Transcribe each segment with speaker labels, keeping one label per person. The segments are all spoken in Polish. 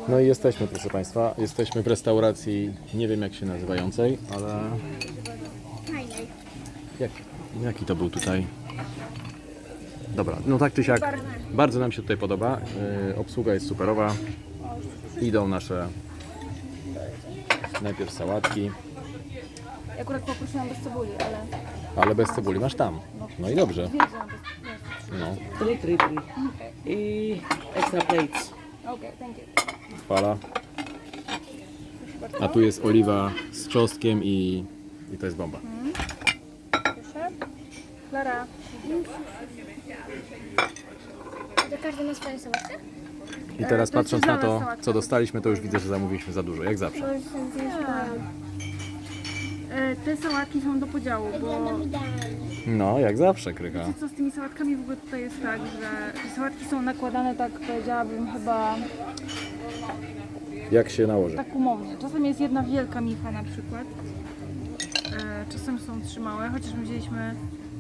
Speaker 1: No i jesteśmy, proszę Państwa, jesteśmy w restauracji, nie wiem jak się nazywającej, ale...
Speaker 2: Fajnej.
Speaker 1: Jaki to był tutaj? Dobra, no tak czy siak, bardzo nam się tutaj podoba, obsługa jest superowa, idą nasze najpierw sałatki,
Speaker 3: Ja akurat poprosiłam bez cebuli,
Speaker 1: ale bez cebuli masz tam, no i dobrze,
Speaker 3: wiedziałam bez...
Speaker 1: no,
Speaker 4: 3. I extra plates.
Speaker 3: Okej, thank you.
Speaker 1: fala, a tu jest oliwa z czosnkiem i to jest bomba.
Speaker 3: Proszę. Klara.
Speaker 2: To każdy ma swoją sałatkę?
Speaker 1: I teraz
Speaker 3: to jest
Speaker 1: patrząc na to,
Speaker 3: zielona sałatka.
Speaker 1: co dostaliśmy, to już widzę, że zamówiliśmy za dużo, jak zawsze.
Speaker 2: To już są
Speaker 3: Te sałatki są do podziału, bo
Speaker 1: No, jak zawsze, Krycha.
Speaker 3: wiecie co, z tymi sałatkami w ogóle tutaj jest tak, że te sałatki są nakładane tak, powiedziałabym chyba
Speaker 1: Jak się nałoży.
Speaker 3: tak umownie. Czasem jest jedna wielka micha na przykład, czasem są 3 małe, chociaż my wzięliśmy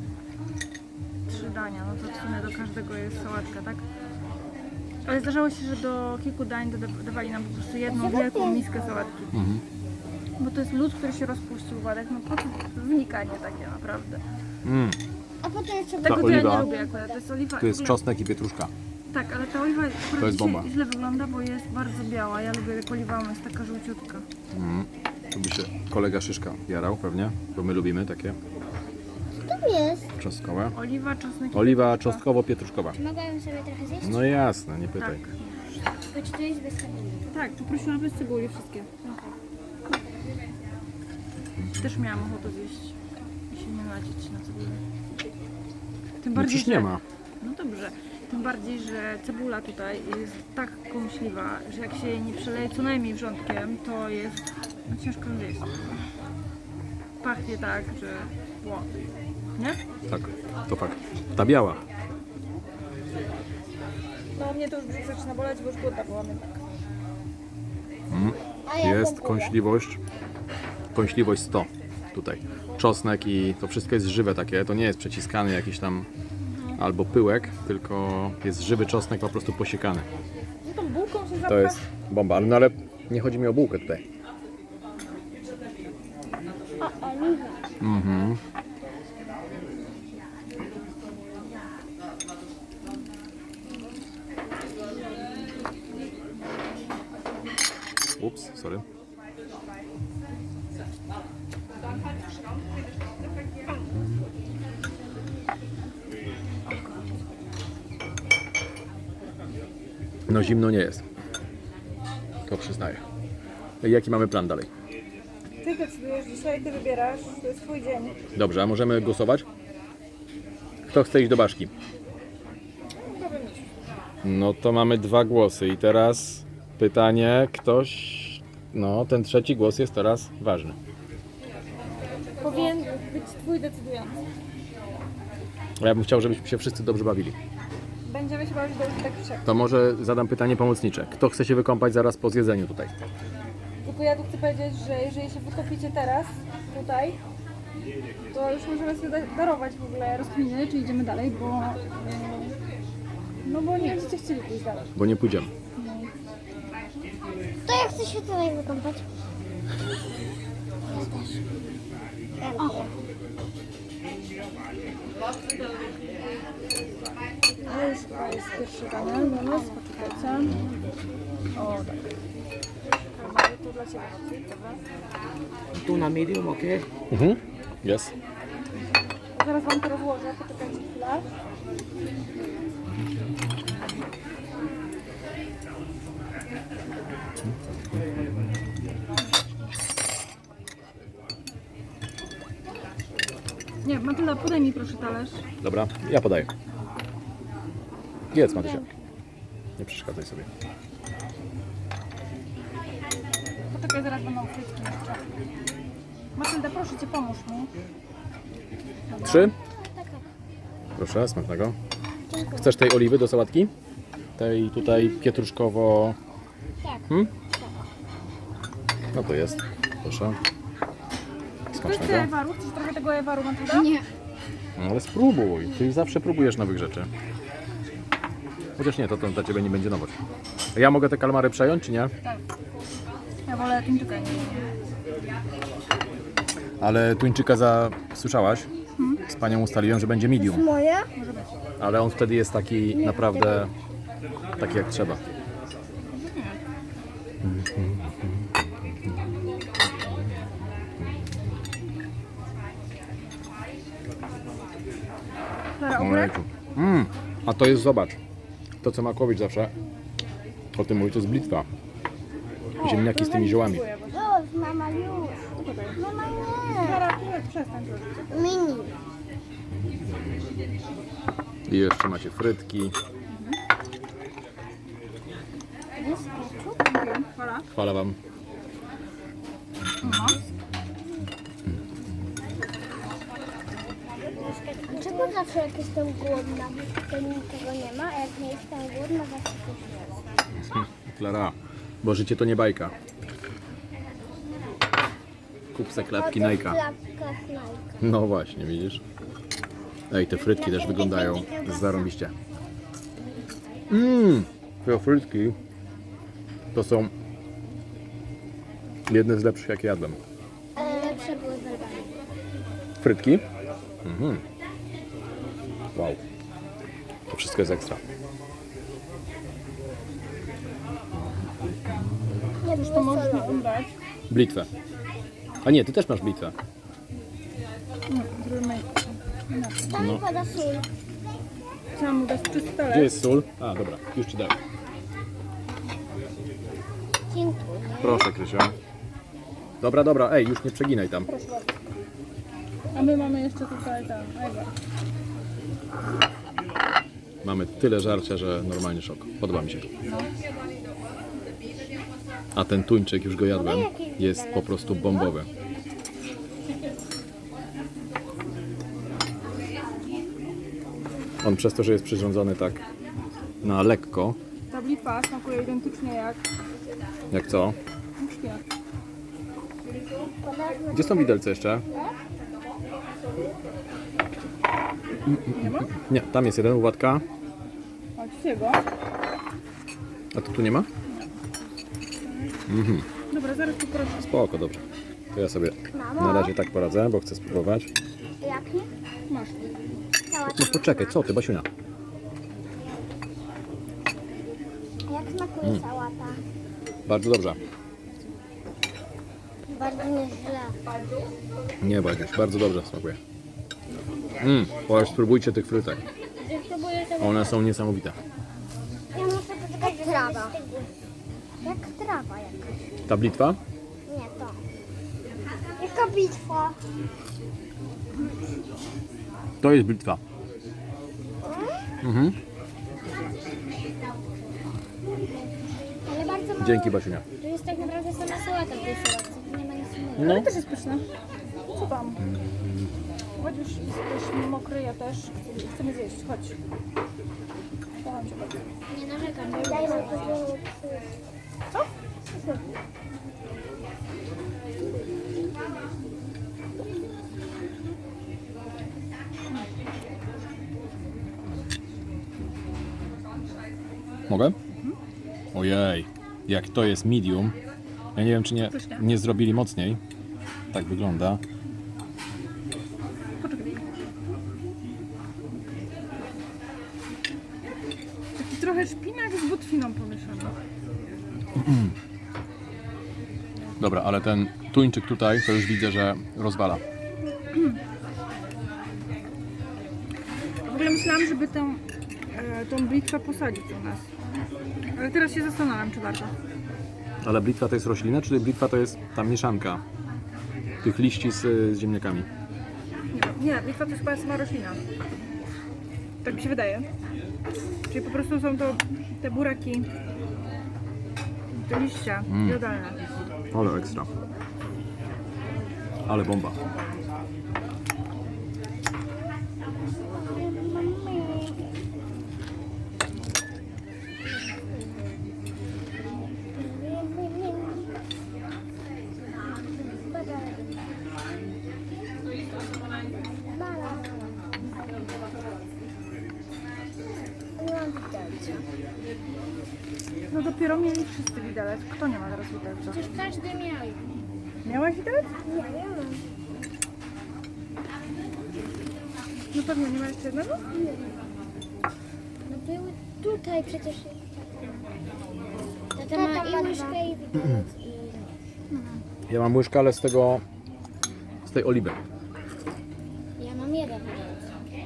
Speaker 3: 3 dania, no to w sumie do każdego jest sałatka, tak? Ale zdarzało się, że do kilku dań dawali nam po prostu jedną wielką miskę sałatki. Bo to jest lód, który się rozpuścił, Władek, no po co wnikanie takie naprawdę.
Speaker 2: A potem jeszcze
Speaker 3: Tego to ja
Speaker 1: oliwa-
Speaker 3: nie lubię akurat, to jest oliwa...
Speaker 1: Tu jest
Speaker 3: w ogóle-
Speaker 1: czosnek i pietruszka.
Speaker 3: Tak, ale ta oliwa akurat
Speaker 1: To jest
Speaker 3: dzisiaj
Speaker 1: bomba.
Speaker 3: źle wygląda, bo jest bardzo biała. Ja lubię jak oliwa, ona jest taka żółciutka.
Speaker 1: Tu by się kolega Szyszka jarał pewnie, bo my lubimy takie
Speaker 2: tam jest.
Speaker 1: czosnkowe.
Speaker 3: Oliwa, czosnek i
Speaker 1: Oliwa
Speaker 3: pietruszka.
Speaker 1: czosnkowo-pietruszkowa.
Speaker 2: Mogłabym sobie trochę zjeść?
Speaker 1: No jasne, nie pytaj.
Speaker 2: Tylko czy to jest bez cebuli?
Speaker 3: Tak, poprosiłam bez cebuli wszystkie. Też miałam ochotę zjeść i się nie nadzieć na cebulę. Tym
Speaker 1: No przecież nie ma.
Speaker 3: No dobrze. Tym bardziej, że cebula tutaj jest tak kąśliwa, że jak się jej nie przeleje co najmniej wrzątkiem, to jest no, ciężko zjeść. Pachnie tak, że... Ło. Nie?
Speaker 1: Tak, to fakt. Ta biała.
Speaker 3: No mnie to już brzuch zaczyna boleć, bo już głodna byłam jednak.
Speaker 2: A ja
Speaker 1: Jest
Speaker 2: pompuję.
Speaker 1: kąśliwość 100 tutaj. Czosnek i to wszystko jest żywe takie, to nie jest przeciskany jakiś tam albo pyłek, tylko jest żywy czosnek po prostu posiekany.
Speaker 3: No tą bułką się zapcha.
Speaker 1: To jest bomba, no ale nie chodzi mi o bułkę tutaj.
Speaker 2: O, oliwa.
Speaker 1: Ups, sorry. No zimno nie jest. To przyznaję. Jaki mamy plan dalej?
Speaker 3: Ty decydujesz dzisiaj, ty wybierasz, to jest twój dzień.
Speaker 1: Dobrze, a możemy głosować? Kto chce iść do Baszki? No to mamy 2 głosy i teraz pytanie, ktoś... No, ten trzeci głos jest teraz ważny.
Speaker 3: Powinien być twój decydujący.
Speaker 1: Ja bym chciał, żebyśmy się wszyscy dobrze bawili.
Speaker 3: Będziemy się bawić do tak czy siak.
Speaker 1: To może zadam pytanie pomocnicze. Kto chce się wykąpać zaraz po zjedzeniu tutaj?
Speaker 3: Tylko ja tu chcę powiedzieć, że jeżeli się wykopicie teraz, tutaj, to już możemy sobie darować w ogóle rozkminy, czy idziemy dalej, bo... No bo nie będziecie chcieli pójść dalej.
Speaker 1: Bo nie pójdziemy.
Speaker 2: To ja chcę się tutaj wykąpać.
Speaker 3: No już chyba jest pierwsze danie dla nas, poczekajcie. O, tak. Mamy to dla Ciebie, Maciej, dobra.
Speaker 4: Tuna medium, okay?
Speaker 1: Jest.
Speaker 3: Zaraz Wam to rozłożę, poczekajcie chwilę. Nie, Matylda, podaj mi proszę talerz.
Speaker 1: Dobra, ja podaję. Jedz, Matysia. Nie przeszkadzaj sobie.
Speaker 3: Poczekaj, zaraz będą frytki jeszcze. Matylda, proszę Cię, pomóż mi.
Speaker 1: 3?
Speaker 2: Tak, tak.
Speaker 1: Proszę, smacznego.
Speaker 2: Dziękuję.
Speaker 1: Chcesz tej oliwy do sałatki? Tej tutaj pietruszkowo...
Speaker 2: Tak.
Speaker 1: No to jest. Proszę.
Speaker 3: Ktoś chce
Speaker 1: Smacznego.
Speaker 3: ewaru? Chcesz trochę tego ewaru, Matylda?
Speaker 2: Nie.
Speaker 1: No ale spróbuj. Ty zawsze próbujesz nowych rzeczy. Chociaż nie, to dla Ciebie nie będzie nowość. A ja mogę te kalmary przejąć, czy nie?
Speaker 3: Tak. Ja wolę tuńczyka, nie.
Speaker 1: Ale tuńczyka słyszałaś? Z Panią ustaliłem, że będzie medium.
Speaker 2: Moje?
Speaker 1: Ale on wtedy jest taki naprawdę taki jak trzeba.
Speaker 3: Klara, obrek?
Speaker 1: Ojejku. A to jest, zobacz, to co Makowicz zawsze o tym mówi, to jest blitwa. Ziemniaki z tymi ziołami.
Speaker 2: Już, mama, już. Mama, nie.
Speaker 3: Klara, przestań to.
Speaker 2: Mini.
Speaker 1: I jeszcze macie frytki.
Speaker 3: Klara?
Speaker 1: Chwalę Wam.
Speaker 2: Dlaczego zawsze jak jestem głodna, to niczego nie ma, a jak nie jestem głodna, zawsze coś jest?
Speaker 1: Klara, bo życie to nie bajka. Kup se klatki Nike'a.
Speaker 2: Klapka Nike.
Speaker 1: No właśnie, widzisz? Ej, te frytki też wyglądają zarąbiście. Te frytki to są jedne z lepszych, jakie jadłem.
Speaker 2: Lepsze były w Albanii.
Speaker 1: Frytki? Wow. To wszystko jest ekstra.
Speaker 2: Nie
Speaker 3: To
Speaker 2: było
Speaker 3: możesz mi
Speaker 2: solowe.
Speaker 3: obrać.
Speaker 1: Blitwę. A nie, ty też masz blitwę.
Speaker 3: Zrobimy.
Speaker 2: Tam mi pada sól.
Speaker 3: Chciałam mu dać czysty
Speaker 1: Gdzie
Speaker 3: talerz.
Speaker 1: jest sól? A, dobra, już ci dałem.
Speaker 2: Dziękuję.
Speaker 1: Proszę, Krysia. Dobra, dobra, ej, już nie przeginaj tam.
Speaker 3: A my mamy jeszcze tutaj tam. Ewa.
Speaker 1: Mamy tyle żarcia, że normalnie szok. Podoba mi się. A ten tuńczyk, już go jadłem, jest po prostu bombowy. On przez to, że jest przyrządzony tak na lekko,
Speaker 3: Ta blitwa smakuje identycznie jak
Speaker 1: co?
Speaker 3: szpinak.
Speaker 1: Gdzie są widelce jeszcze?
Speaker 3: Nie ma?
Speaker 1: Nie, tam jest jeden, Władka.
Speaker 3: Chodźcie go.
Speaker 1: A to tu nie ma?
Speaker 3: Dobra, zaraz poproszę.
Speaker 1: Spoko, dobrze. To ja sobie na razie tak poradzę, bo chcę spróbować.
Speaker 2: Jaki?
Speaker 3: Masz.
Speaker 1: No poczekaj, co ty, Basiunia?
Speaker 2: Jak smakuje sałata?
Speaker 1: Bardzo dobrze.
Speaker 2: Bardzo nieźle.
Speaker 1: Nie, Badziuś, bardzo dobrze smakuje. Spróbujcie tych frytek.
Speaker 2: Spróbuję tego.
Speaker 1: One są niesamowite.
Speaker 2: Ja muszę poczekać, jak trawa. Jak trawa jakaś.
Speaker 1: Ta blitwa?
Speaker 2: Nie to. Jaka bitwa?
Speaker 1: To jest blitwa.
Speaker 2: Ale bardzo mało.
Speaker 1: Dzięki, Basiunia.
Speaker 2: Tu jest tak naprawdę sama sałata w tej sałatce. Tu nie ma nic innego.
Speaker 1: No,
Speaker 3: Ale też jest pyszne. Co tam? Chodź już, jesteś mokry, ja też. Chcemy zjeść, chodź. Kocham cię bardzo.
Speaker 2: Nie narzekam. Daj mi to.
Speaker 3: Co?
Speaker 1: mogę? Ojej, jak to jest medium. Ja nie wiem, czy nie zrobili mocniej. Tak wygląda.
Speaker 3: Taki trochę szpinak z butwiną pomieszany.
Speaker 1: Dobra, ale ten tuńczyk tutaj, to już widzę, że rozwala.
Speaker 3: W ogóle myślałam, żeby tą blitwę posadzić u nas. Ale teraz się zastanawiam, czy warto.
Speaker 1: Ale blitwa to jest roślina, czy blitwa to jest ta mieszanka tych liści z ziemniakami?
Speaker 3: Nie, blitwa to jest chyba sama roślina. Tak mi się wydaje. Czyli po prostu są to te buraki, te liścia jodalne.
Speaker 1: Ale ekstra. Ale bomba.
Speaker 2: Nie mam widelca.
Speaker 3: dopiero mieli wszyscy widelec. Kto nie ma teraz widelca?
Speaker 2: Przecież każdy miał.
Speaker 3: Miałaś widelec?
Speaker 2: Nie wiem.
Speaker 3: No pewnie nie ma jeszcze jednego?
Speaker 2: No były tutaj przecież. Tata ma i łyżkę i widelec.
Speaker 1: Ja mam łyżkę, ale z tej oliwy.
Speaker 2: Ja mam jeden widelec.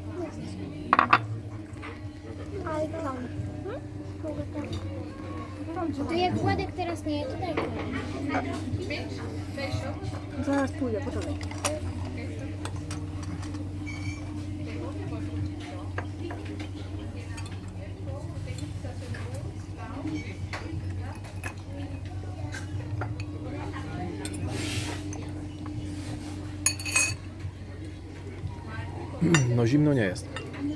Speaker 2: Ale tam. Mogę tam. To jak Władek teraz nie je, to daj komuś.
Speaker 3: Zaraz pójdę, poczekaj.
Speaker 1: No zimno nie jest.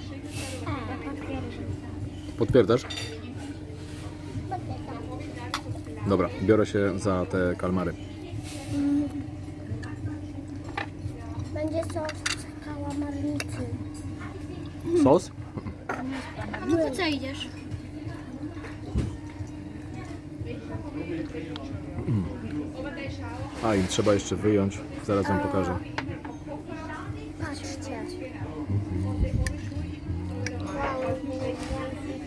Speaker 1: Potwierdzasz? Dobra, biorę się za te kalmary.
Speaker 2: Będzie sos z kałamarnicy.
Speaker 1: Sos?
Speaker 2: A no to co idziesz?
Speaker 1: A i trzeba jeszcze wyjąć. Zaraz wam pokażę.
Speaker 2: Patrzcie.